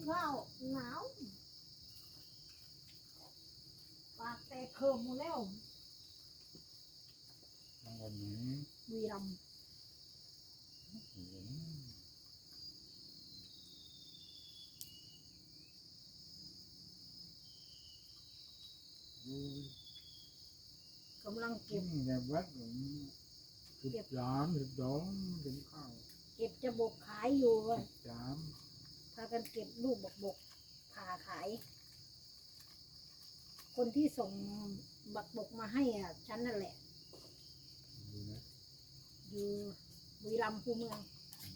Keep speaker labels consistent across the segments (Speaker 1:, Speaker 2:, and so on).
Speaker 1: ข้าวหนาวปากแตกเคิมหมดแล้ว
Speaker 2: วันนี้
Speaker 1: บุรีรัมย์กำลังเก็บ
Speaker 2: แบบวัด13 12ถึงข้าว
Speaker 1: เก็บจะบกขายอยู่อะ
Speaker 2: 13
Speaker 1: พากันเก็บลูกบกผ่าขาย คนที่ส่งบักบกมาให้อ่ะฉันนั่นแหละ
Speaker 2: ดูนะ
Speaker 1: อยู่บุรีรัมย์คูเมือง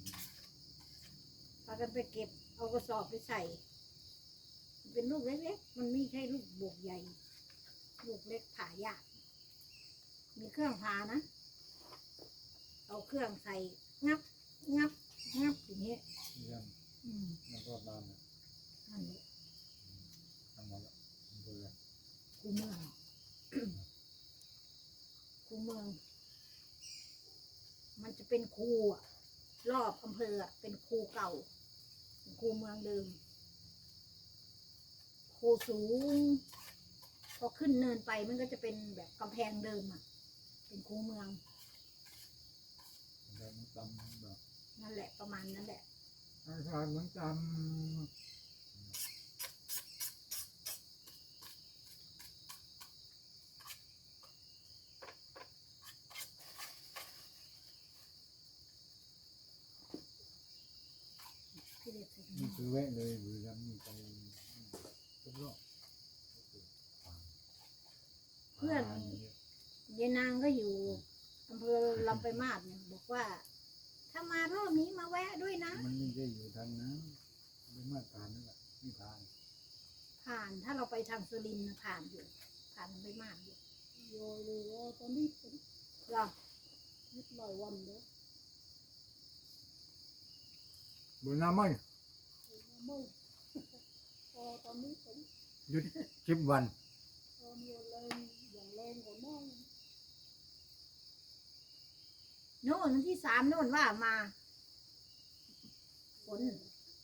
Speaker 1: พากันไปเก็บเอากระสอบไปใส่ เป็นลูกเล็กๆมันไม่ใช่ลูกบกใหญ่ ลูกเล็กผ่ายากมีเครื่องผ่านะเอาเครื่องใส่งับอย่างนี้
Speaker 2: เยี่ยมแล้วก็บ้านนะ
Speaker 1: นั่นแหละ
Speaker 2: ทำหมดแล้วเบื่อ
Speaker 1: คูเมือง คูเมือง มันจะเป็นคูอะรอบอำเภออะเป็นคูเก่าคูเมืองเดิมคูสูงพอขึ้นเนินไปมันก็จะเป็นแบบกำแพงเดิมอะเป็นคูเมือง
Speaker 2: แล้วมันจำแบบ
Speaker 1: นั่นแหละประมาณนั้นแหละ
Speaker 2: อาจารย์มันจำ
Speaker 1: พี่เด็กใส่
Speaker 2: นี่คือแวะเลยบุรีรัมย์นี่ไปทุกรอบ
Speaker 1: เพื่อนยายนางก็อยู่อำเภอลำปลายมาศเนี่ยบอกว่า ถ้ามารอบนี้มาแวะด้วยนะ
Speaker 2: มันไม่ได้อยู่ทางนั้นไม่มาผ่านนั่นแหละไม่ผ่าน
Speaker 1: ผ่านถ้าเราไปทางสุรินทร์นะผ่านอยู่ ผ่านลำปลายมาศอยู่
Speaker 3: โยเลยว่าตอนนี้ผม
Speaker 1: เหรอ
Speaker 3: ยึดหลายวันแล้ว
Speaker 2: บุญน้ำไม่
Speaker 3: ไม่พอตอนนี้ผม
Speaker 2: หยุด10 วัน
Speaker 3: ตอนนี้แรงอย่างแรงกว่าน้อง
Speaker 1: โน่นวันที่3โน่นว่ามาฝน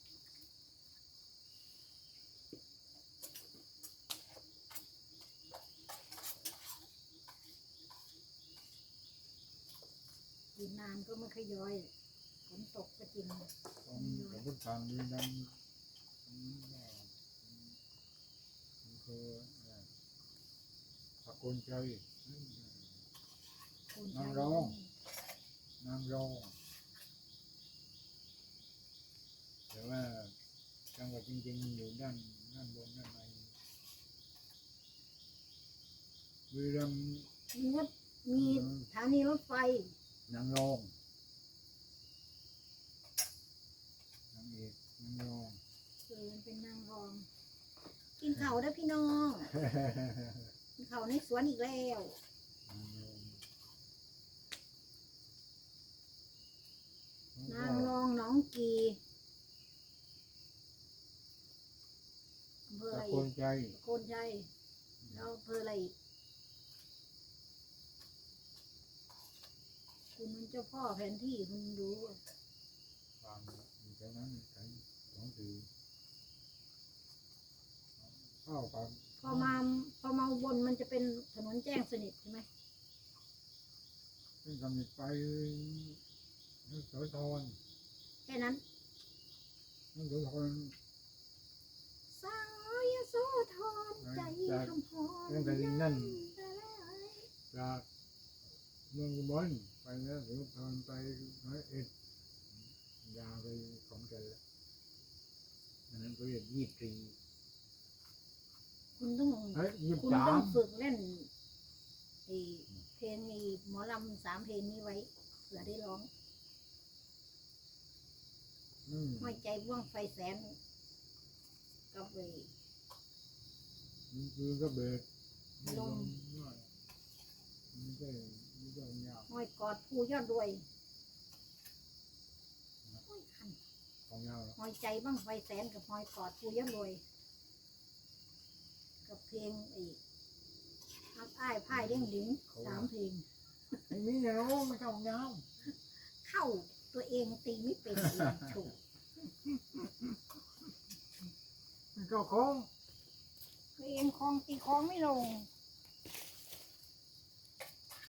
Speaker 1: อยู่นานก็ไม่ค่อยย้อยฝนตกก็จริง
Speaker 2: ตอนกับพุทธทางบุรีรัมย์คือตะโกนใจ
Speaker 1: คุณ
Speaker 2: นางรอง แต่ว่าจังหวัดจริงๆอยู่ด้านบนด้านในบุรีรัมย์
Speaker 1: มีสถานีรถไฟ
Speaker 2: นางรองนางเอกนางรอง
Speaker 1: มันเป็นนางรอง กินข้าวได้อพี่น้อง กินข้าวในสวนอีกแล้ว นางรองหนองกีอำเภออะไร
Speaker 2: ตะโก
Speaker 1: อี
Speaker 2: น
Speaker 1: ก
Speaker 2: ใจ
Speaker 1: โกนใจแล้วอำเภออะไรอีกคุณมันเจ้าพ่อแผนที่คุณรู้อะ
Speaker 2: ฟังอยู่แถวนั้นใช้2 4เข้ากัน
Speaker 1: พอมาอุบนมันจะเป็นถนนแจ้งสนิทใช่ไหม
Speaker 2: ซึ่งกำลังไปนึกโสธร
Speaker 1: แค่นั้น
Speaker 2: นึกโสธร
Speaker 1: สาวยโสธรใจคำพร
Speaker 2: ตั้งแต่นั่นจากเมืองอุบลไปแล้วโสธรไป101ยาวไปของแก่นแล้วอันนั้นก็เรียก23
Speaker 1: คุณต้อง
Speaker 2: เฮ้ย
Speaker 1: คุณต้อง
Speaker 2: 23
Speaker 1: ฝึกเล่นไอ้เพลงไอ้หมอลำ3 เพลงนี้ไว้เผื่อได้ร้อง ห้อยใจบ่วงไฟแสนกับไอ้
Speaker 2: คือก็เบิก
Speaker 1: ลม
Speaker 2: ไม่ใช่ยาว
Speaker 1: ห้อยกอดผู้ยอดรวยห้อยคัน
Speaker 2: ของยาวแล้ว
Speaker 1: ห้อยใจบ้างไฟแสนกับห้อยกอดผู้ยอดรวยกับเพลงไอ้ฮักอ้ายพ่ายเด้งดึง3 เพลง
Speaker 2: ไอ้นี่เนาะไม่เข้ายาว
Speaker 1: เข้าตัวเองตีไม่เป็นเองถูก
Speaker 2: เข้าคลอง
Speaker 1: เอียงคลองตีคลองไม่ลง